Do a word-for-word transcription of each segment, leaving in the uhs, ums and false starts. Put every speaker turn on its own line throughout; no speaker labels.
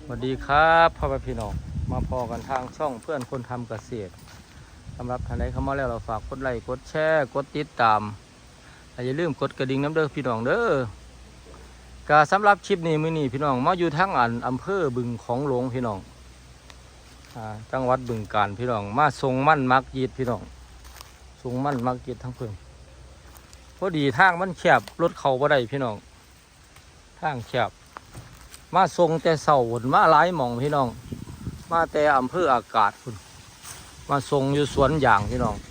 สวัสดีครับพ่อแม่พี่น้องมาพอกันทางช่องเพื่อนคนทำเกษตรสำหรับท่านใดเข้ามาแล้วเราฝากกดไลค์กดแชร์กดติดตามอย่าลืมกดกระดิ่งน้ำเด้อพี่น้องเด้อกาสำหรับคลิปนี้มื้อนี้พี่น้องมาอยู่ทั้งอันอำเภอบึงของหลวงพี่น้องจังหวัดบึงกาฬพี่น้องมาทรงมั่นมักยีดพี่น้องทรงมั่นมักยีดทั้งเพิ่งพอดีทางมันแคบรถเข้าบ่ได้พี่น้องทางแคบมาทรงแต่เสาหนมาหลายหม่องพี่น้องมาแต่อำเภออากาศคุณมาทรงอยู่สวนยางพี่น้อง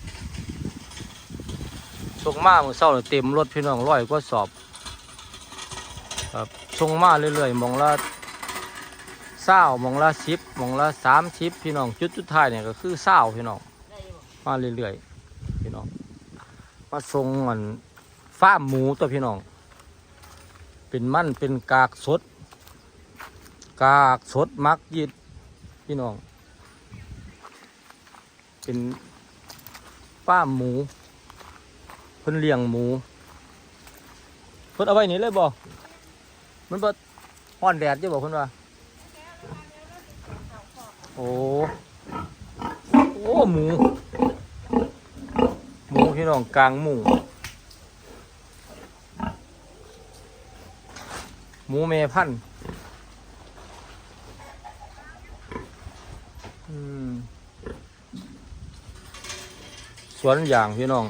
ทรงมาเมื่อเช้าเต็มรถพี่น้องร้อยกว่าสอบครับทรงมาเรื่อยๆหม่องละเศร้าหม่องละสิบหม่องละสามสิบพี่น้องจุดจุดท้ายเนี่ยก็คือเศร้าพี่น้องมาเรื่อยๆพี่น้องมาทรงเหมือนฟาร์มหมูตัวพี่น้องเป็นมันเป็นกากสดกากสดมักยิดพี่น้องเป็นป้าหมูเพิ่นเลี้ยงหมูเพิ่นเอาไว้นี่เลยบ่มันบ่ฮ้อนแดดอยู่บ่เพิ่นว่าโอ้โอ้หมูหมูพี่น้องกลางหมูหมูแม่พันธุ์สวนยางพี่น้อง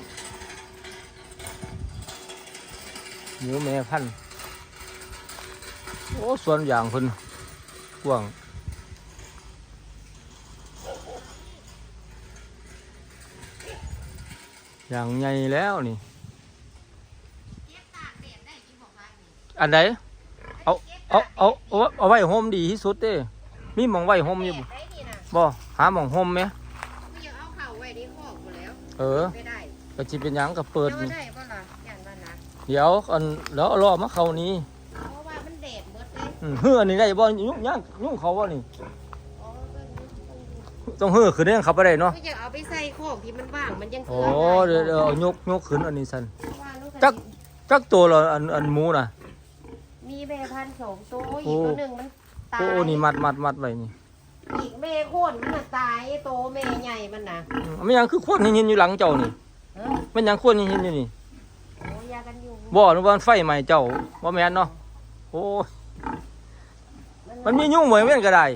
หมูแม่พันธุ์โอ้สวนยางเพิ่นกว้างอย่างใหญ่แล้วนี่อันไหนเอาเอาเอาเอาเอาไว้โฮมดีที่สุดเด้มีหม่องไว้โฮมอยู่บ่หาหม่องโฮมไหมเออก็จิเป็นหยังกับเปิดเดี๋ยวอันแล้วรอมาเขานี้เพราะว่ามันแดดหมดเลยเฮืออันนี้ได้บ่ยุ่งยากยุ่งเขาบ่นี่ต้องเฮือขึ้นได้เขาไปได้เนาะก็จะเอาไปใส่ของที่มันว่างมันยังโอ้เดี๋ยวเอายกยกขึ้นอันนี้สันจักจักตัวละอันอันหมูน่ะมีแม่พันธุ์สองตัวอีกตัวหนึ่งมันตายโอ้นี่มัดมัดมัดไว้นี่อีกแม่โค่นมันตายโตแม่ใหญ่มันน่ะมันยังคือโค่นหินอยู่หลังเจ้านี่มันยังโค่นหินอยู่นี่โอ้ยากันอยู่บ่หรือว่าไฟใหม่เจ้าบ่แม่นเนาะโอ้มันมียุ่งเหมือนเว้นก็ได้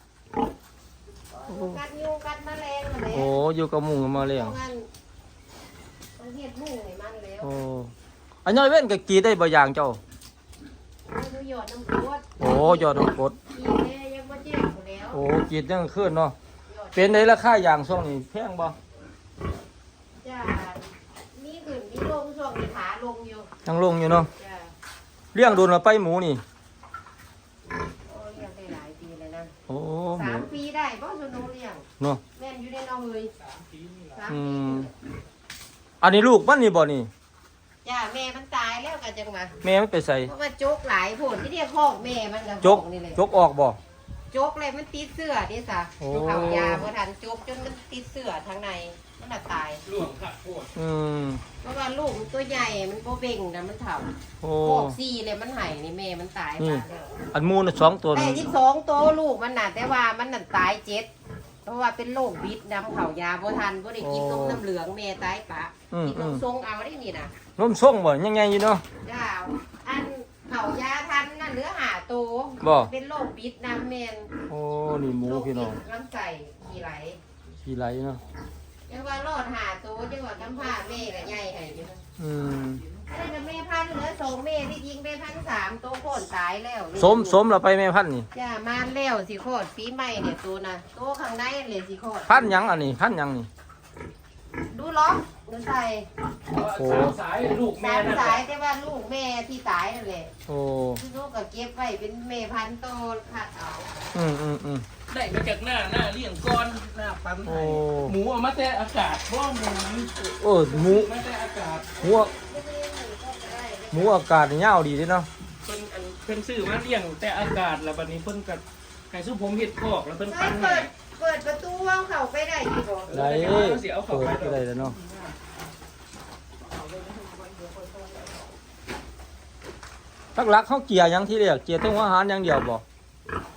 กัดยุ่งกัดแมลงอะไรโอ้อยู่กับมุงกับแมลงต้องเฮ็ดมุงให้มันแล้วโอ้อันนี้เว้นก็กีได้บ่อย่างเจ้าหยอดน้ำกรดโอ้หยอดน้ำกรดโอ้กีดยังขึ้นเนาะเป็นในราคาอย่างช่วงนี้แพงบ่จ้ามีขึ้นมีลงช่วงนี้ขาลงอยู่ยังลงอยู่เนาะเลี้ยงโดนมาไปหมูนี่โอ้เลี้ยงได้หลายปีเลยนะโอ้สามปีได้บ่ชโนเลี้ยงเนาะแม่นอยู่ในน้องเลยสามปีนี่แหละอืมอันนี้ลูกมันนี่บ่นี่จ้าแม่มันตายแล้วกันจังมาแม่มันไปใส่เพราะว่าจกหลายผลที่เรียกคอกแม่มันกับจกนี่เลยจกออกบ่จกเลยมันติดเสื้อดิสะดูเขายาเมื่อทันจกจนมันติดเสื้อทางในมันหนักตายลูกขัดปวดอืมเพราะว่าลูกตัวใหญ่มันโบเบ่งนะมันเถ่าโอ้ซี่เลยมันหายนี่แม่มันตายไปแล้วอันมูนสองตัวแต่ที่สองตัวลูกมันน่ะแต่ว่ามันหนักตายเจ็ดเพราะว่าเป็นโรคบิดน้ำเขายาโบทันโบได้กินนมน้ำเหลืองแม่ตายปะกินนมทรงเอาได้นี่นะนมทรงบ่ยังไงอยู่เนาะจ้าอันเขายาทันน่ะเนื้อหาโตเป็นโรคบิดน้ำแมนโอ้นี่หมูพี่น้องลำไส้ขี้ไหลขี้ไหลเนาะจังว่ารอดหาโตจังว่ากำพร้าแม่กับใหญ่ให้อยู่อืมได้กับแม่พันเหลือสองแม่ที่ยิงแม่พันสามโตโค่นตายแล้วสมสมเราไปแม่พันนี่จ้ามาแล้วสิโคตรปีใหม่เนี่ยตัวน่ะโตข้างในเลยสิโคตรพันยังอันนี้พันยังนี่ดูล็อกดูใส่โอ้สายลูกแม่สายแต่ว่าลูกแม่ที่ตายนั่นแหละโอ้ลูกก็เก็บไว้เป็นแม่พันธุ์โตขัดเอาอืมอืมอืมได้มาจากหน้าหน้าเลี้ยงก้อนหน้าปั๊มไทยหมูเอามาแต่อากาศเพราะหมูเออหมูมาแต่อากาศหมูหมูอากาศเงาดีด้วยเนาะเพิ่นเพิ่นซื้อมาเลี้ยงแต่อากาศแล้วบัดนี้เพิ่นกับไก่ซุปผมเห็ดพอกแล้วเพิ่นปั้นให้เปิดประตูเอาเข้าไปได้ดีบ่ได้เปิดไปได้แล้วเนาะทักลักเขาเกียร์ยังที่เรียกเกียร์ต้องอาหารอย่างเดียวบ่ ทุ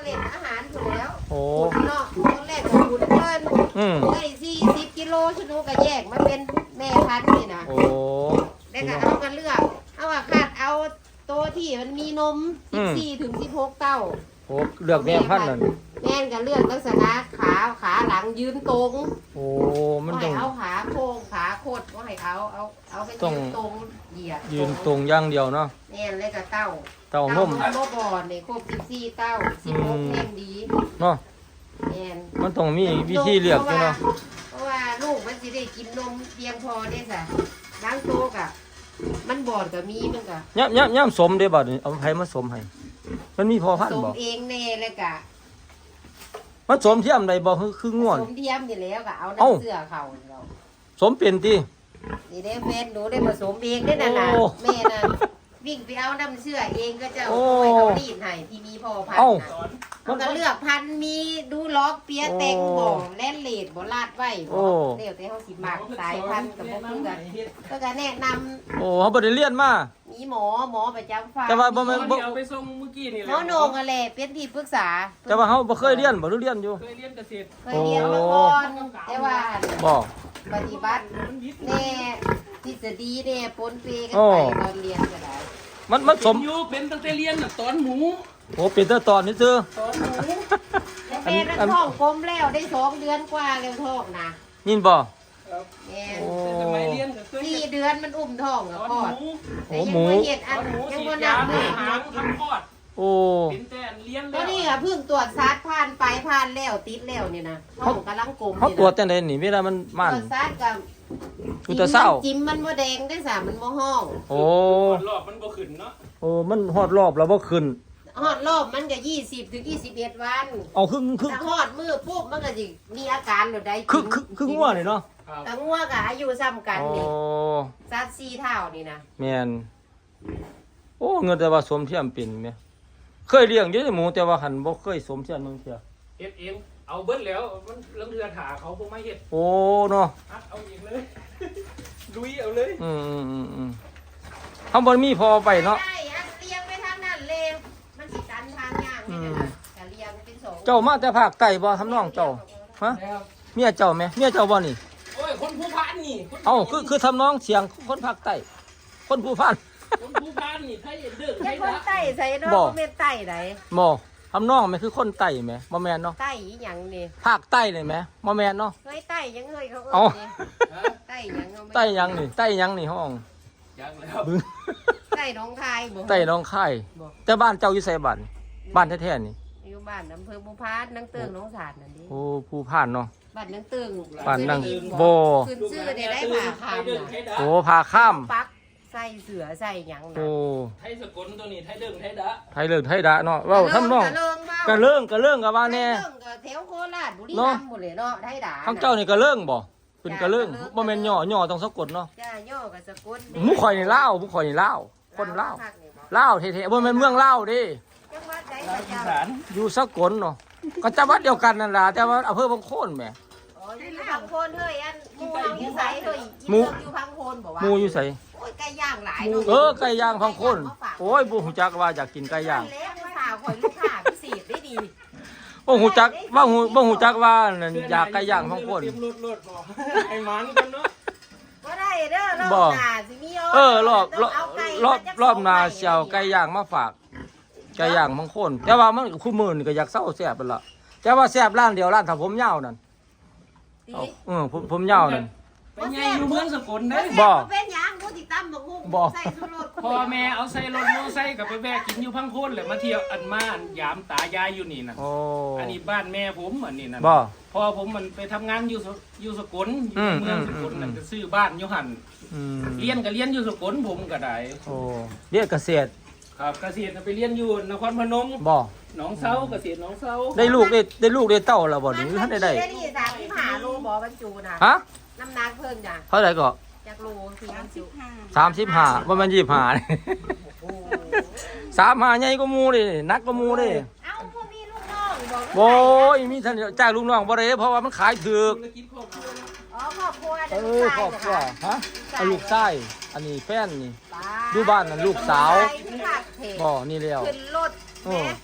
เล่นอาหารถูกแล้ว
โอ้
ขุนเนาะตอนแรกก็ขุนเพิ่น
อืม
ได้สี่สิบกิโลชนูก็แยกมาเป็นแม่พันธุ์นี่นะ
โอ้
แล้วก็เอามาเลือกเอาว่าคาดเอาตัวที่มันมีนมสิบสี่ถึงสิบหกเต้า
โอ้เลือกแม่พันธุ์นั่น
แม่นก็เลือกลักษณะขาขาหลังยืนตรง
โอ้มัน
ว่า
ต้
ให้
อง
เอาขาโค้งขาโคดว่าให้เอาเอาเอาให้
ต้อง
ยืนตรงเหยียด
ยืนตรงอย่างเดียวเนาะ
แม่นเลยกับเต้า
เต้านม
เต้านมบ่อนนี่ครบสิบสี่เต้าสิบหกแห่งดี
เนาะ
แม่น
มันต้องมีวิธีเลือกอยู่เนาะ
เพราะว่าลูกมันสิได้กินนมเพียงพอได้ซะบางตัวก็มันบอดก็มีมันก็
ย่ำย่ำย่ำสมเด้บัดนี้เอาไผมาสมให้มันมีพอพัน
ส
ธุ์
ม
บ่
เองแน่แล้วก็
มันสมเทียมใดบ่คือคือง่วน
สมเทียมนี่แล้วก็เอา
เอ้า
น้ำเสื้อเขาเรา
สมเป็นติ
นี่ได้แฟนหนูได้ผสมเองได้น่ะนะ
โอ้
แม่น่ะวิ่งไปเอาน้ำเสื้อเองก็จะ
โอ้
เอาไปเขารีดให้ที่มีพอพัน
เอ้า
ธุ์น่ะมันก็เลือกพันธุ์มีดูล็อกเปียแตงบ่แล่นเลดบ่ลาดไว้
โอ้
บ่เดี๋ยวแต่เฮาสิมักสายพันธุ์กับบ่คือกันก็ก็แนะนำ
โอ้เขาบ่ได้เรียนมา
มีหมอหมอประจำฟาร์ม
แต่ว่าบ่แม่น
เดี๋ยวไปส่งเมื่อกี้นี่แห
หม
ละ
อโหนงอะไรเป็นที่ปรึกษา
แต่ว่าเขาบ่เคยเรียนบ่หรือเรียนอยู่
เคยเรียนเกษตร
เคยเรียนมาก่อนแต่ว่า
บ่
ปฏิบัติ
มันวิทย์
แน่ทฤษฎีแน่ปนเปกัน
โอ้
ไปตอนเรียนก็ได้
มันมันสม
อยู่เป็นตั้งแต่เรียนน่ะตอนหมู
โอ้เป็นแต่ตอนนี้ซื่อ
ตอนหมู
แล้วแม่นั่นท้องกลมแล้วได้สองเดือนกว่าแล้วท้องนะ
ยินบ่
ครับ
แม่
โอ้
แต่สมัยเรียนก็เคย
สี่
เฮ็ด
เดือนมันอุ้มท้อง
ต
กับ
อน
พ่อ
หมู
โอ้
แต่ยัง
หมู
บ่เห็ด
ต
อั
อน นหมู
ยัง
ฉี
บ่
ด
นั
ยา
บมือ
หางทำคลอด
โอ้
เป็นแต่เรียน
ตั
แล้ว ว
นี้ค่ะเพิ่งตรวจซัดผ่านไปผ่านแล้วติดแล้วเนี่ยนะท้องกำลังกลม
เขาตรวจจังได๋นี่เวลามัน
ต
มัน
รวจซัดกับ
กูจะเศร้า
จิ้มมันบ่แดงได้สามันบ่ห้อง
โอ้
รอบมันบ่ขึ้นเนาะ
โอ้มันฮอดรอบแล้วบ่ขึ้น
ฮอดรอบมันก็ยี่สิบถึงยี่สิบเอ็ดวัน
เอาคือคือ
ถ้าฮอดมือปุ๊บมันก็สิมีอาการหรือใด
คือคือคืองัวนี่เนาะ
ครับ
แต่งัวก็อายุซ้ำกัน
โอ้
นี่ซัดสี่เท่านี่นะ
แม่นโอ้เงินแต่ว่าสมเทียมเป็นแม่เคยเลี้ยงอยู่ในหมูแต่ว่าหันบ่เคยสมเทียมเมืองเที่ย
เฮ็ดเองเอาเบิดแล้วมันลังเทือถาเขาบ่มาเฮ็ด
โอ้เนาะ
อัดเอาเองเลย ลุยเอาเลย
อืมอืมอืมอืมเขาบ่มีพอไปเนาะ
ได้อันเลี้ยงไปทางนั้นเลยมันสิกันทางย่างนี่นะแต่เลี้ยงเป็นสอง
เจ้ามาแต่ภาคใต้บ่ทำน้องเจ้าฮะ
แล้ว
เมียเจ้าแม่เมียเจ้าบ่นี่
โอ้ยคนผู้พานนี่คน
เอ้าคือคือทำน้องเสียงคนภาคใต้คนผู้พัน
คนผู้พานนี่ไทยเด้อไท
แค่
ย
คน
ละ
ใต้ใส่เนาะ
บ่
บ่แม่นใต้ไหน
บ่ทำน้องแม่คือคนใต้แม่บ่แม่นเนาะ
ใต้อีหยังนี่
ภาคใต้นี่แม่บ่แม่นเนาะ
เฮ้ยใต้ยังเฮ้ยเขา
เอ้า
เอิ้นนี่
ฮะ
ใต้หยังเอาไม่
ใต้หยังนี่ใต้หยังนี่ห้อง
ยังแล้ว
บึ้ง
ใต้หน้องคายบ่
ใต้หน้องค่ายแต่บ้านเจ้าอยู่ไสบ้านบ้านแท้ๆนี่
อยู่บ้านอำเภอบุพานนังเติงหน้องสาดนั่นดิ
โอ้ผู้พานเนาะ
บ้านนังเติง
บ้านนัง
เคยได้ยิ
บ่
ขึ้นชื่อได้ได้ผ่าคาม
ไทยเด้อ
น่ะ
ไทยดะ
โอ้พาข้าม
ปักใส่เสือใส่หยังน่ะ
โอ้
ไทยสกลตัวนี้ไทยเด้อไทยดะ
ไทยเลิศไทยดะเนาะเว้าทำน้อง
กะเลิงเว้าก
ะเลิ่งกะเลิ่งกะว่าแน่
กะเลิงกะแถวโคราชบุรี
เนาะ
รัมย์หมดเลยเนาะไทยด่า
ทางเจ้านี่กะเลิ่งบ่เป็นกะเลิ่งบ่แม่นย่อย่อต้องสะกดเนาะ
จ้าย่อกับสกุล
หมู่ข่อยนี่ลาวหมู่ข่อยนี่ลาวคนลาว
ภคนี่บ่
ลาวแท้ๆบ่แม่นเมืองลาวเด้
จังหวัดใด
ลา
ก็
วอี
เจ้า
สาน
อยู่สกลเนาะก็จังหวัดเดียวกันนั่นล่ะแต่ว่าอำเภอบางโคนแหม
อ๋ออยู่พังโคนเฮ้ยอันหมู่เฮาอยู่ไสเฮ้ย
หมู่
อีเลิกอยู่พังโคนบ่วะ
หมู่อยู่ไส
โอ้ยไก่ย่างหลายเนาะ
เออไก่ย่างพังโคนโอ้ยบ่ฮู้จักว่าอยากกินไก่ย่าง
แล้วผู้สาวข่อยลูกค้าพิเศษได้ดี
บ่ฮู้จักว่าฮู้บ่ฮู้จักว่านั่นอยากไก่ย่างพังโคน
เตรียมรถรถบอกไอ้หมันกันเนาะ
บ่ได้เด้อร
บ่
อบหน้าสิมี
เออรอบรอบ
ต้งเาไก่
รอบ
มจก
รอบหน้า
สง
สิเอาไก่ย่างมาฝากไก่ย่างพังโคนแต่ว่ามันคู่มื้อนี่ก็อยากเซาแซ่บนั่นล่ะแต่ว่าแซ่บร้านเดียวร้านถ้าผมยาวนั่น
ติ
เอาเออผมผมยาวนั่น
ไปไงอยู่เมืองสกลได้
บ่
เป็นหยังบ่ติตำบักหุ่ง
บ่
ใส่สุรส
พ่อแม่เอาใส่รถมอไซค์กับไปแวะกินอยู่พังโคนเลยมาเที่ยวอันมาอันยามตายายอยู่นี่นะ
โอ้
อันนี้บ้านแม่ผมอันนี้นะ
บ่
พอผมมันไปทำงานอยู่สอยู่สกลอ
อื
ยู่
ม
เมืองสกล
อืม
นั่นก็ซื้อบ้านอยู่หัน
อืม
เรียนก็เรียนอยู่สกลผมก็ได้
โอ้เรียกเกษตร
ครับเกษตรไปเรียนอยู่นครพนม
บ่
หนองเซาเกษตรหนองเซา
ได้ลูกได้ได้ลูกได้เต้าแล้วบ่นี่ท่านได้ได้
มันี่สามสิบห้าโลบ่บรรจุน่ะ
ฮะ
น้ำหนักเพิ่มจ้ะ
เท่าไหร่ก็
จากโลสี่บรรจุ
สามสิบห้าบ่แม่นยี่สิบห้านี่สามห้าใหญ่กว่าหมู่ดิหนักกว่าหมู่ดิ
เอ้าพวกมีลูกน้องบอก
โอ้ยมีท่านจ้างลูกน้องบ่ได้เพราะว่ามันขายถูก
ธุรกิจครอบครัว
อ๋อครอบครัว
เอ
เด็ก
อครอบครัวฮะเอาลูกชายอันนี้แฟนนี่
ป้
อยู่บ้านน่ะลูกสาว
ไปที่ภาคเท
บ่นี่แล้ว
ขึ้นรถ
โอ้
แม่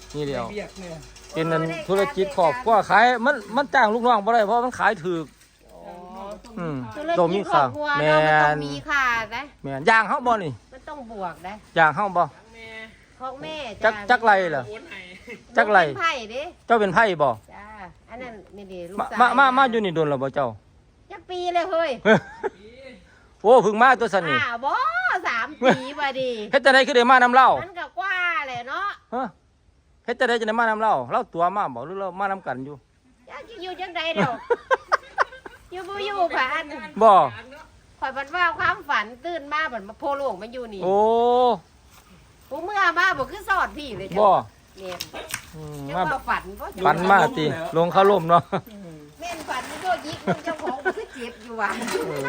นี่เดียว
เบียกเนี่ย
เป็นนั่นธุรกิจครอบครัวขายมันมันจ้างลูกน้องบ่ได้เพราะมันขายถูก อืม
ธุร
โด
กิ
มี
จครอ
ค่า
บครัว
แม
เนาะมันต้อง
น
มีค่านะ
แมนย่างเฮาบ่นี่
มันต้องบวกนะ
ย่างเฮาบ่
ของแม่
จักจักไรเหรอ
โอนให้
จักไร
เป็นไผ่เด้
เจ้าเป็นไผบ่
จ้าอันนั้นนี่เด้ลูก
มา
สาว
มามามาอยู่นี่โดนแล้วบ่เจ้า
จักปีเลยเฮ้ย
โอ้เพึ่งมาตัวซั่นนี่
อ่าบ่สามปีบ่ดี
เฮ็ดจังได๋คือได้มานํเล่า
มันก็กว่าแหละเนาะ
ฮะเฮ็ดจังได๋จะได้มานํเล่าเล่าตัวมาบ่หรือเรามานํกันอยู่
จักอยู่จังใดดอกอยู่บ่อยู่ผ่าน
บ่
ข่อยบัดว่าความฝันตื่นมาบัดมาโพโลงมันอยู่นี่
โอ้
กูเมื่อมาบ่คือสอดพี่เลยจ้ะ
บ่
เนี่ย
อืม
จัง
มา
ว่าฝันบ่
ปันมาติลงเข้าร่มเนาะ
แม่นฝันนี่ก็ยิกมันเจ้าของมันคือเจ็บอยู่ว่ะ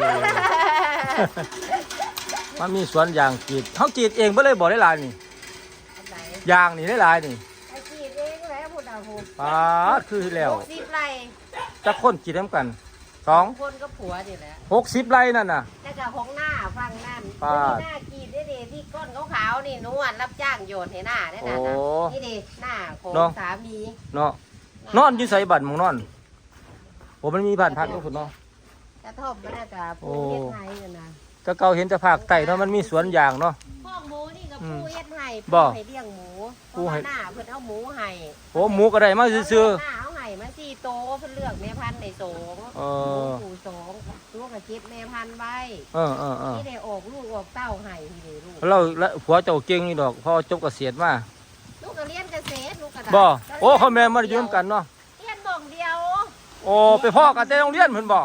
มันมีสวนยางกรีดเฮากรีดเองบ่เลยบ่ได้หลายนี่
อันไหน
ยางนี่ได้หลายนี่
ไอ้กรีดเองแหล้วพูดเอาพูด
ปาดคือแล้ว
หกสิบไร่
จักคนกรีดนํกันสอง
คนก็ผัวนี่แหละ
หกสิบไร่นั่นน่ะ
แล้วก็ของหน้าฟังนั่น
ปาด
ที่หน้ากรีดได้เดที่ก้นขาวๆนี่นวลรับจ้างโยนให้หน้าได้น่ะ
โอ้
นี่เดหน้าของ
เนาะ
สามี
เนาะนอนอยู่ไสบัดหมองนอนโอ้มันมีบ้านพักอยู่พุ่นเนาะ
กระท่อมมันน่ะกับ
โอ้
ผู้เฮ็ดไห้นั่นนะ
แต่เก่าเห็นแต่ภาคใต้เนาะมันมีสวนยางเนาะ
ห้องหมูนี่กับ
อืม
ผู้เฮ็ดไห้
บ่
ผู้ให้เลี้ยงหมูเพ
ผู้
ราะ
ให้
ว่าหน้าเพิ่นเอาหมูให้
โอ้หมูก็ได้มาซื่อ
หน้าเอาไห้มาสี่โตเพิ่นเลือกแม่พันธุ์ในสอง
เออ
หมูสองลูกก็เก็บแม่พันธุ์ไว้
ๆเออเออเออ
ที่ได้ออกลูกออกเต้าไห้ที่ได้ลูก
เราแล้วผัวเจ้าเก่งนี่ดอกพอจบเกษียณมา
ลูกก็เรียนเกษตรลูกก็ได้
บ่โอ้เขาแม่นมาอยู่นํกันเนาะ
เรียนบ่องเดียว
โอ้ไปพ่อกันแต่โรงเรียนเพิ่นบ่
จ้า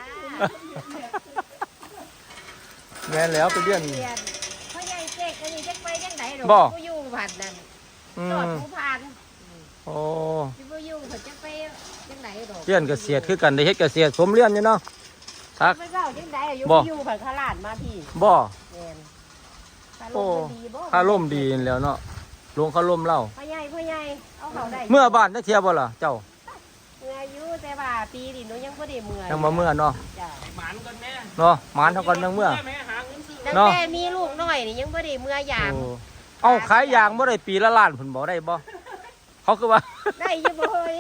แม่นแล้วไปเรียน
เรียนพ่อใหญ่เจ๊กอันนี้จักไปจังไดดอก
บ่
ผู้อยู่ผัดนั่น
อื
จอด
ม
ผู้ผ่าน
โอ้
ที่ผู้อยู่เพิ่นจักไปจังไดดอก
เรียนเกษตรคือกันได้เฮ็ดเกษตรสมเรียนอยู่เนาะทัก
ไม่เล่าจังไดอยู่
บ่
ผู้อยู่ผัดขลาดมาพี่
บ่
แม่นถ้าล
โอ้
มมันดีบ่
ค่าร่มดีนั่นแหล้วเนาะลงค่าร่มเล่า
พ่อใหญ่พ่อใหญ่เอาเขาได้
เมื่อบ้านได้เที่ยวบ่ล่ะเจ้า
เมื่ออยู่แต่ว่าปีนี้หนูยังบ่ได้เมื่อ
ยังมาเมื่อเนาะ
จ้ะ
หมานก่อนแม่
เนาะหมานเท่ากันยังเมื่อ
แม่หาเงินซื้อ
ตั้ง
เนาะ
แต่มีลูกน้อยนี่ยังบ่ได้เมื่อยาม
โอ้เอาขายยางบ่ได้ปีละล้านเพิ่นบ่ได้บ่เขาคือว่า
ได้อยู่บ่เฮ้ย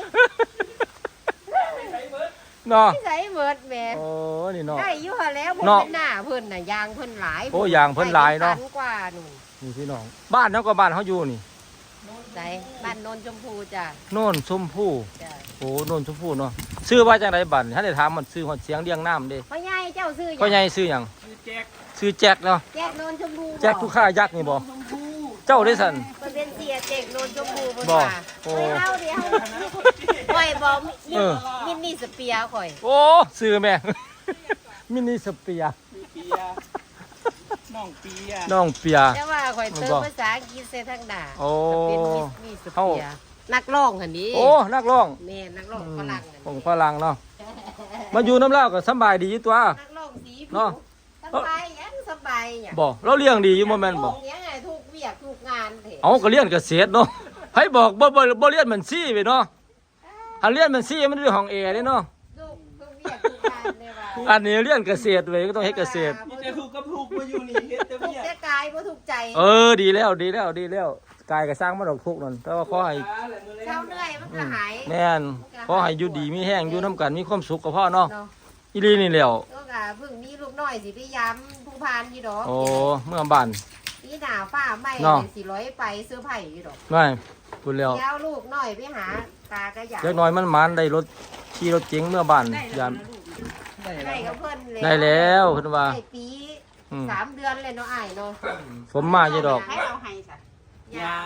เนาะ
นิสัยเบิดแหม
โอ้นี่เนาะ
ได้อยู่หั่นแล้วบ่
เนาะ
เป็นหน้าเพิ่นน่ะยางเพิ่นหลาย
โอ้ยางเพิ่นหลายเนาะ
ได้ป็ตักว่าหนู
นี่พี่น้องบ้านเฮาก็บ้านเฮาอยู่นี่
ใส่บ้านโนนชมพูจ้ะ
โน่นชมพู่
จ้ะ
โอ้โน่นชมพู่เนาะชื่อว่าจังไดบัดถ้าได้ถามมันชื่อฮอดเสียงเรียงน้ำเด้
พ่อใหญ่เจ้าซื้อหยัง
พ่อใหญ่ชื่อหยัง
คือแจ็ค
ชื่อแจ็คเนาะ
แจกโนนชมพู
แจ็คผู้ฆ่ายักษ์นี่บ่
ชมพู
เจ้าได้สั่น
เพิ่นเป็นเสียแจกโนนชมพูเพิ่น
บ่
ว่า
โอ้
เฮ้ยเฮาเดี๋ยวข่อยบ่มี
เออ
มินนี่สเปียร์ข่อย
โอ้ชื่อแม่ มินิสเปีย
มีเปียน้องเปีย
น้องเปีย
แต่ว่าข่อยเติม
บ่
ภาษาอังกฤษใส่ทางหน้า
โอ้
ก็เป็นมิสมีส
เอ้า
เปียร์นักร้องหั่นนี้
โอ้นักร้อง
แม่นักร้องฝรั่งหั่น
ของ
นี้
ฝรั่งเนาะมาอยู่น้ำเล่าวก็สำบายดีอยู่ตัว
นักร้องสี
เนาะ
สบายยังสบายหยัง
บ่เราเลี้ยงดีอยู่บ่แม่นบ่
ลูกยังไงทุกเวียกทุกงานเถอะ
เอาก็เรียนเกษตรเนาะให้บอกบ่บ่บ่เรียนบัญชีไปเนาะถ้าเรียนบัญชีมันอยู่ห้องแอร์เด้เนาะ
ทุกทุกเวียกทุกงานเลยว่า
อันนี้เรียนเกษตรเว้ยก็ต้องเฮ็ดเกษตร
มีแต่ถูกกับถูกมาอยู่นี่เฮ็ดแต่
ทุก
เมีย
แต่กายบ่ถูกใจ
เออดีแล้วดีแล้วดีแล้วกายก็สร้างมาดอกทุกข์นั่นแต่ว่าขอให้
เช้าเหนื่อยมันก็หาย
แม่นขอให้อยู่ดีมีแห้งอยู่นํกันมีความสุขกับพ่อเนาะ
เนาะ
อีหลีนี่แหล้ว
ก็กะเพิ่งมีลูกน้อยสิไปย้ำผู้พานอยู่ดอก
โอ้เมื่อบ้าน
ปีหน้าฟ้าไหม้
เนาะ
สิร้อยไปเสื้อไผ่อยู่ดอก
ไม่พูดแล้ว
เดี๋ยวลูกน้อยไปหาตากระยา
เล็กน้อยมันหมานได้รถขี่รถเก๋งเมื่อบ้านยาม
ได้กับเพิ่นเลย
ได้แล้วเพิ่นว่า
ได้ปี
อืม
สามเดือนเลยเนาะอ้ายเนาะ
สมมาอยู่ดอก
ให้เอาให้ซะ
ยา